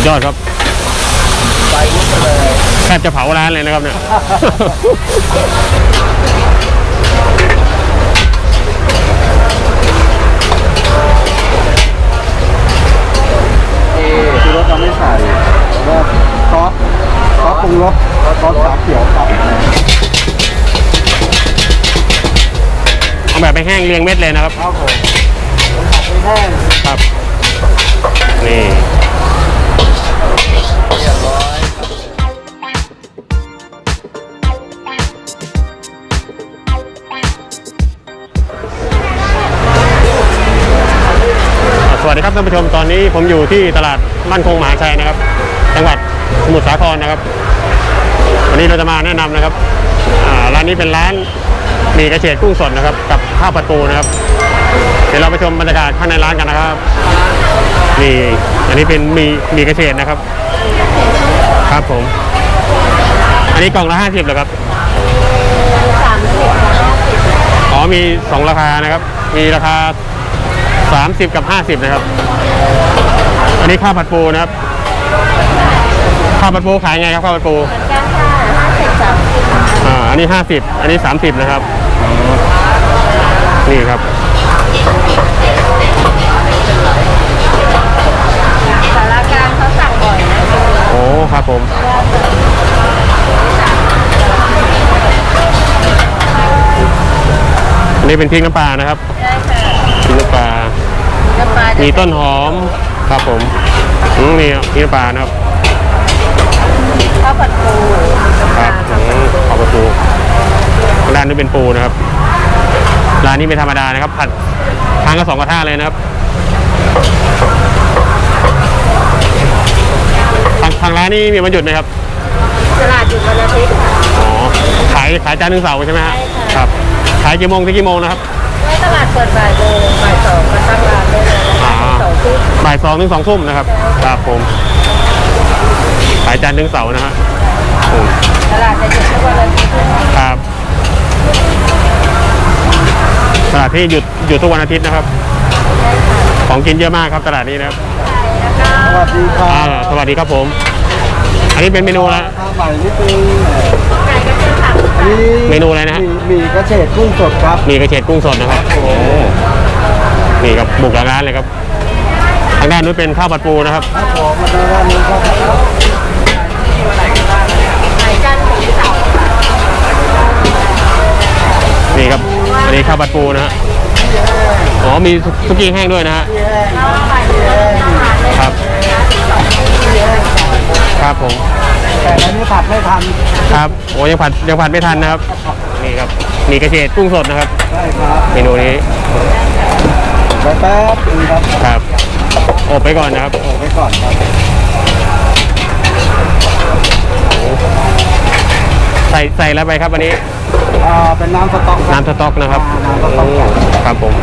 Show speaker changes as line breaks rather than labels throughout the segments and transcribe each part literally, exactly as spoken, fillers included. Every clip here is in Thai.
ยอดครับไปเลยแทบจะเผาร้านเลยนะครับเนี่ย
คือรสเราไม่ใส่ก็ซอสซอสปรุงรสซอสสาเขียวครับ
เอาแบบไปแห้งเรียงเม็ดเลยนะครับ
ครับผมผัดไปแห้ง
ครับนี่
เรียบร้อย
สวัสดีครับท่านผู้ชมตอนนี้ผมอยู่ที่ตลาดมั่นคงมหาชัยนะครับจังหวัดสมุทรสาครนะครับวันนี้เราจะมาแนะนำนะครับร้านนี้เป็นร้านหมี่กระเฉดกุ้งสดนะครับกับข้าวผัดปูนะครับเดี๋ยวเราไปชมบรรยากาศข้างในร้านกันนะครับนี่อันนี้เป็นหมี่หมี่กระเฉดนะครับครับผมอันนี้กล่องละห้าสิบเหรอครับ
สามสิบ
อ๋อมีสองราคานะครับมีราคาสามสิบกับห้าสิบนะครับอันนี้ข้าวผัดปูนะครับข้าวผัดปูขายไงครับข้าวผัดปู
เหมือนกันค่ะห้าสิบสามสิบ
อ่าอันนี้ห้าสิบอันนี้สามสิบนะครับนี่ครับ
สารกลางเขาสั่งบ่อยนะ
โอ้ครับผมอันนี้เป็นพริกน้ำปลานะครับ
ใช่ค่ะ
พริกน้ำปลา
น้ำปลา
มีต้นหอมครับผมนี่พริกน้ำปลานะครับ
ข้าวผัดปู
ครับข้าวผัดปูร้านนี้เป็นปูนะครับร้านนี้ไม่ธรรมดานะครับผัดทางกระสองกระทะเลยนะครับทางทางร้านนี้มีวันหยุดไหมครับ
ตลาดหยุดวันอาทิตย์ค่ะ
อ๋อขายขายจันทร์ถึงเสาร์ใช่ไหมฮะครับขายกี่โมงถึงกี่โมงนะครับ
ไม่ตลาดเปิดบ่ายโมงบ่ายสองมาตั้งร้านได้เลยสองทุ่ม
บ่ายสองถึงสองทุ่มนะครับครับผมขายจันทร์ถึงเสาร์นะฮะ
ตลาดจะหยุดทุกวันอาทิตย์
ครับตลาดที่หยุดหยุดทุกวันอาทิตย์นะครับของกินเยอะมากครับตลาดนี้นะครับ
สวัสดีครับ
สวัสดีครับผมอันนี้เป็นเมนูอะไร
ข้าวใหม่นี่เป็น
เมนูอะไรนะฮะ
มีกระเฉดกุ้งสดครับ
มีกระเฉดกุ้งสดนะครับโอ้นี่ครับบุกร้านเลยครับทางด้านนู้นเป็นข้าวผัดปูนะครับ
ครับผมมาดูด้านนี้ครับ
นี่ครับอันนี้ข้าวผัดปูนะฮะอ๋อมีซุกี้แห้งด้วยนะฮะครับครับผม
แต่อันนี้ผัดไม่ทัน
ครับโอ้ยังผัดยังผัดไม่ทันนะครับนี่ครับมีกระเฉดกุ้งสดนะครับ
ใช่ครับ
เมนูนี้
แป๊บนึงครับ
ครับอบไปก่อนนะครับ
อบไปก่อนครับ
ใส่ใส่แล้วไปครับวันนี้
อ่าเป็นน้ำสต๊อก
น้ำสต๊อกนะครับ
น้ำสต๊อก
ครับผม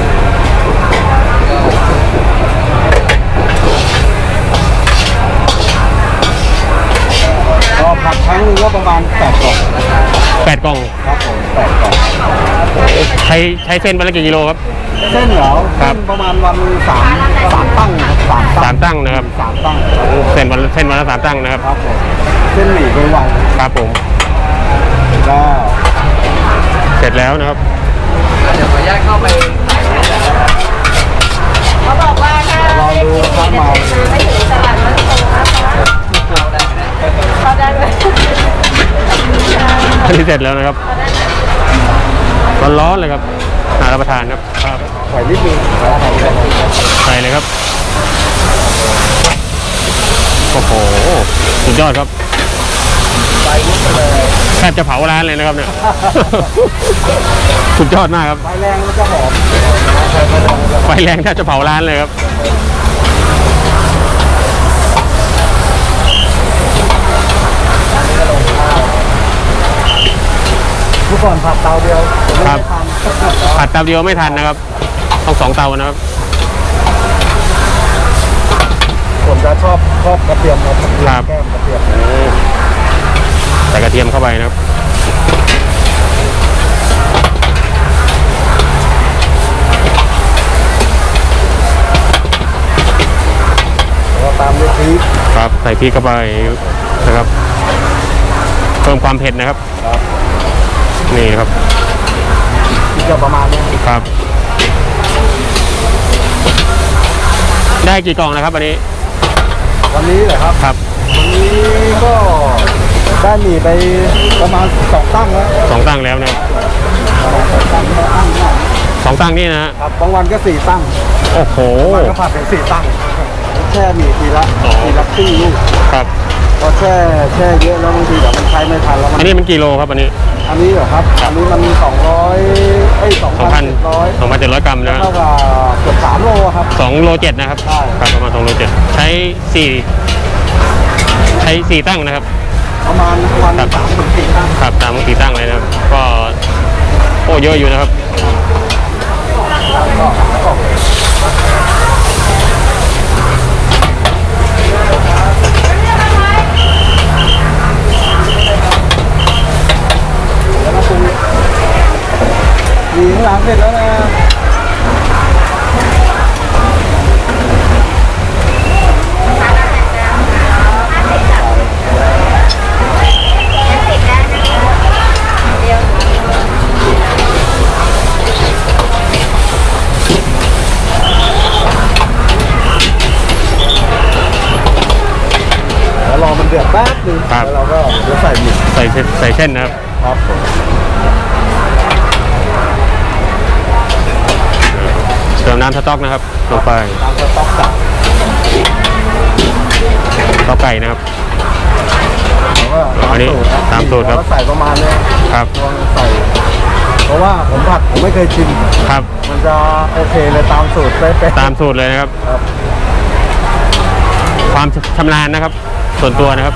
ก็ผัดครั้งนึงก็ประมาณแปดกล่อง
แปดกล่อง
ครับผมแปดกล่อง
ใช้ใช้เส้นวันละกี่กิโลครับ
เส้นเหรอครับประมาณวันสามสามตั้งสาม
สามตั้งนะครับ
สามตั้ง
เส้นวันเส้นวันละสามตั้งนะครับ
ครับผมเส้นหมี่เป็นวัน
ครับผม
ก็
เสร็จแล้วนะครับ
เดี๋ยวขออนุญาตเข้าไป
เขาบอกว่าถ้า
ลองดูครับมา
ไม่ถึงตลาดมันคงนะคะเขาได้ไหม
อันนี้เสร็จแล้วนะครับร้อนๆเลยครับน่ารับประทานครับครับ
ใส่นิดนึง
ใส่เลยครับโอ้โหสุดยอดครับแทบจะเผาร้านเลยนะครับเนี่ยสุดยอดมากครับ
ไฟแรงแล้วจะหอม
ไฟแรงแทบจะเผาร้านเลยครับ
เมื่อก่อนผัดเตาเดียว
ครับผัดเตาเดียวไม่ทันนะครับต้องสองเตานะครับ
ผมจะชอบชอบกระเทียมครับแก้มกระเทียม
ใส่กระเทียมเข้าไปนะครับ
ตามด้วยพริก
ครับใส่พริกเข้าไปนะครับ เพิ่มความเผ็ดนะครับ
ครับ
นี่นะครับ
ที่จะประมาณนี้
ครับ ได้กี่กล่องนะครับวันนี้
วันนี้เหรอครับ
ครับ
วันนี้ก็ได้หมี่ไปประมาณสองตั้งแล้ว
สองตั้งแล้วนะครับ
สองตั้งแล้วตั้งได้
สองตั้งนี่นะฮะ
ครับบางวันก็สี่ตั้ง
โอ้โห
บางวันก็ผัดเป็นสี่ตั้งแช่หมี่ทีละ
อ๋อ
ทีละครึ่งลูก
ครับ
พอแช่แช่เยอะแล้วบางทีแบบมันใช้ไม่ทันแล้วมัน
อันนี้มันกี่โลครับอันนี้
อันนี้เหรอครับอันนี้มันสองร้อยเอ้ยสอง
สองพั
พั
น
นร้อย
สองพันเจ็ดร้อยกรัมนะ
เท่ากับเกือบสามโลครับ
สองโลเจ็ดนะครับ
ใช่
ครับประมาณสองโลเจ็ดใช้สี่ใช้สี่ตั้งนะครับ
ประมาณวัน
ครับ
สามถึงสี่ตั้ง
ครับตามสี่ตั้งเลยนะครับ ก็โอ้เยอะอยู่นะครับ
ก็ก็แล้วก็ปรุงมีข้างหลังเสร็จแล้วนะ แล้วรอมันเดือดแป๊บนึง
ครับ
แล้วเราก็จะใส่หมี่
ใส่เส้นใส่เส้นนะครับ
ครับผม
เติมน้ำสต๊อกนะครับลงไป
ตามสต๊อกสั่ง
สต๊อกไก่นะครับ
แล้วก็
อันนี้ตามสูตรครับ
แล้วก็ใส่ประมาณเนี้ย
ครับ
ลองใส่ เพราะว่าผมผัดผมไม่เคยชิม
ครับ
มันจะโอเคเลยตามสูตรเป๊ะๆ
ตามสูตรเลยนะครับ
ครับ
ความชำนาญนะครับ ส่วนตัวนะครับ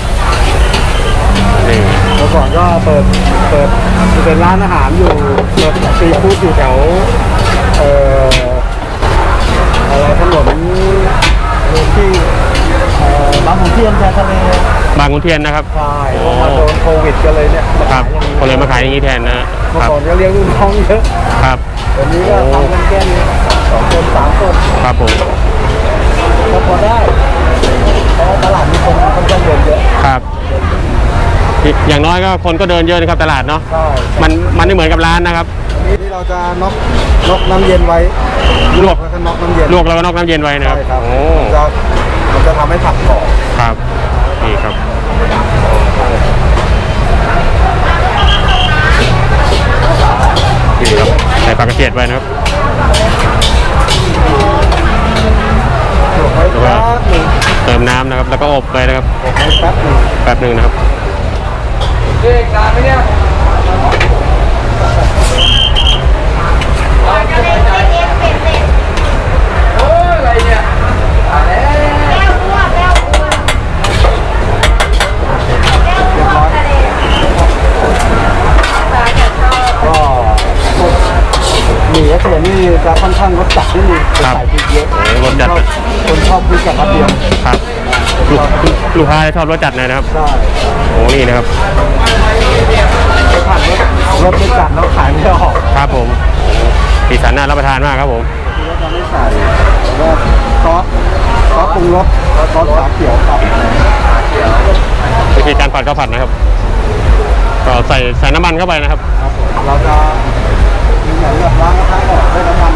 นี่
เมื่อก่อนก็เปิดเปิดเป็นร้านอาหารอยู่เปิดซีฟู้ดอยู่แถวเอ่ออะไรถนนที่เอ่อบางขุนเทียนชายทะเล
บางขุนเทียนนะครับ
ใช่เพราะมาโดนโควิดกันเลยเนี่ยมา
ครั
ขา
บ
ยอย่างนี้
ก็เลยมาขายอย่างนี้แทนนะ
เมื่อ
ครับ
ก่อนก็เลี้ยงลูกน้องเยอะ
ครับ
เดี๋ยวนี้ก็ทำกันแค่นี้สองคนสามคน
ครับผม
ก็พอได้เพราะว่าตลาดมีคนค่อนข้างเดินเยอะ
ครับอีกอย่างน้อยก็คนก็เดินเยอะนะครับตลาดเนาะ
ใช่
มันมันไม่เหมือนกับร้านนะครับ
อันนี้ที่เราจะน็อกน็อกน้ำเย็นไว้
ลวก
แล้วก็น็อกน้ำเย็น
ลวกแล้วก็นอกน้ำเย็นไว้นะครับ
ใช่ครับ
โอ้
มันจะมันจะทำให้ผักกรอบ
ครับนี่ครับนี่ครับใส่ปลากระเจี๊ยบไว้นะครับ
ลวกไว้แป๊บหนึง
เติมน้ำนะครับ แล้วก็อบไปนะครับ
ลวกไว้แป๊บหนึง
แป๊บหนึ่งนะครับ
เด็กนานไหมเนี่ย โอ้ยอะไรเนี่ยตายแล้วเรียบร้อยก็หมี่เอสเอนี่จะค่อนข้างรสจัดนิดนึง
ครับ
ใส่พริกเยอะ
โอ้รสจัด
คนชอบพริกกับกระเทียม
ครับลูกลูกค้าชอบรสจัดเลยนะครับ
ใช่
โอ้นี่นะครับ
ไปผัดรสรสไม่จัดแล้วขายไม่ออก
ครับผมสีสันน่ารับประทานมากครับผม
ที่เราจะไม่ใส่ก็ซอสซอสปรุงรสซอสขาเขียวครับ
วิธีการผัดข้าวผัดนะครับ ก็ใส่ใส่น้ำมันเข้าไปนะครับ
ครับผมเราจะมีเหมือนแบบล้างกระทะออกด้วยน้ำมัน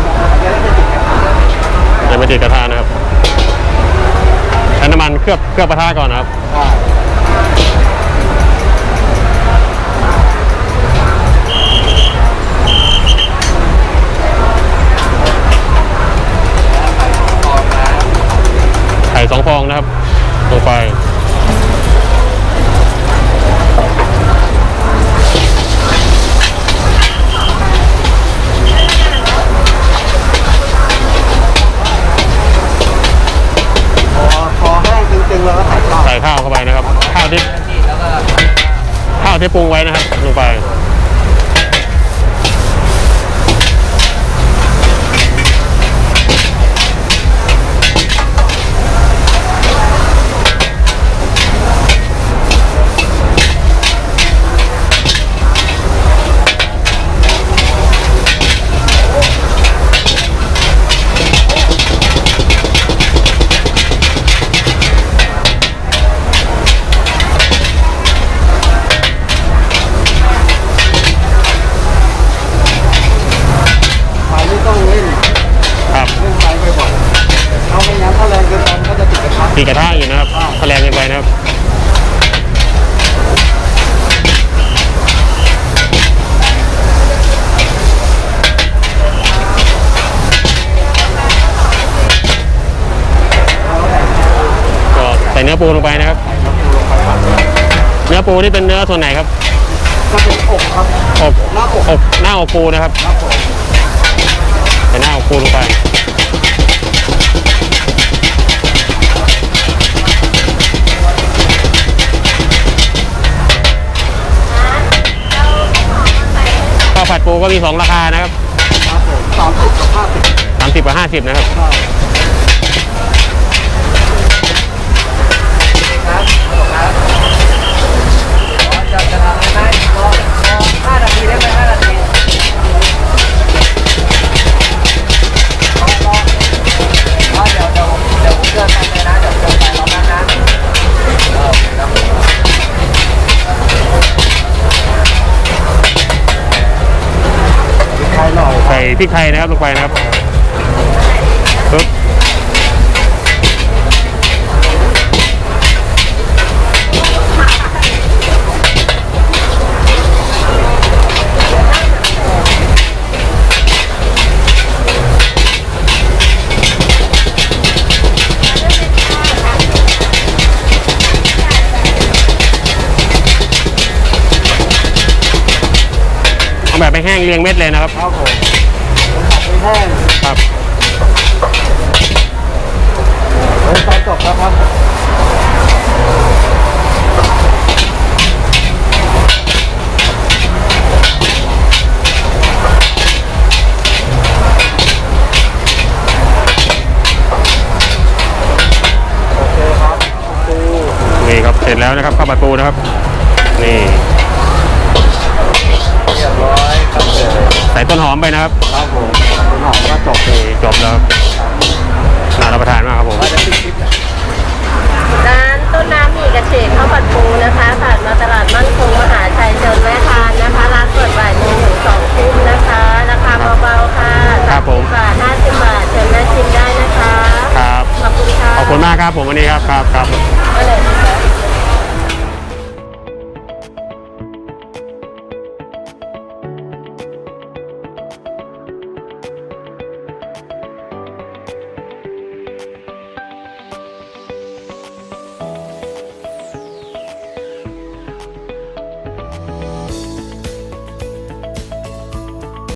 จะได้ไม่ติดกระทะ
จะไม่ติดกระทะนะครับใช้น้ำมันเคลือบเคลือบกระทะก่อนนะครับ
ใช่
ไข่สองฟองนะครับลงไป
พอพอแห้งจริงๆเราก็ใส่ข้าว
ใส่ข้าวเข้าไปนะครับ ข้าวที่ข้าวที่ปรุงไว้นะครับลงไปตีกระทะอยู่นะครับถ้าแรงเกินไปนะครับก็ใส่เนื้อปูลงไปนะครับ เนื้อปูนี่เป็นเนื้อส่วนไหนครับ
ก็เป็นอกครับ
อก
หน้าอก
อกหน้าอกปูนะครับ
ครับผม
ใส่หน้าอกปูลงไปข้าวผัดปูก็มีสองราคานะครับ
ครับผมสามสิบกับห้าสิบ
สามสิบกับห้าสิบนะครับ
ครับ
จะจะทำได้ไหมรอรอห้านาทีได้ไหมห้านาทีรอรอรอเดี๋ยวเดี๋ยวเดี๋ยวผมเดินไปเลยนะเดี๋ยวเดินไปรอแป๊บนะเออครับ
ไทยหน่อย
ใส่พริกไทยนะครับลงไปนะครับปึ๊บเอาแบบไม่แห้งเรียงเม็ดเลยนะครับ
ครับผมผัดไม่แห้ง
ครับ
เฮ้ยตอนจบแล้วครับโอเคครับปู
นี่ครับเสร็จแล้วนะครับข้าวผัดปูนะครับนี่
เรียบร้อยครับผม
ใส่ต้นหอมไปนะครับ
ครับผมคุณหอมก็จบ
นี่จบแล้วครับน่ารับประทานมากครับผม
ว่าจะปิดคลิปนะ
ร้านต้นน้ำหมี่กระเฉดข้าวผัดปูนะคะผ่านมาตลาดมั่นคงมหาชัยเชิญแวะทานนะคะร้านเปิดบ่ายโมงถึงสองทุ่มนะคะราคาเบาๆค่ะ
ครับผม
สามสิบบาทห้าสิบบาทเชิญแวะชิมได้นะคะ
ครับ
ขอบคุณค่ะ
ขอบคุณมากครับผมวันนี้ครับครับครับ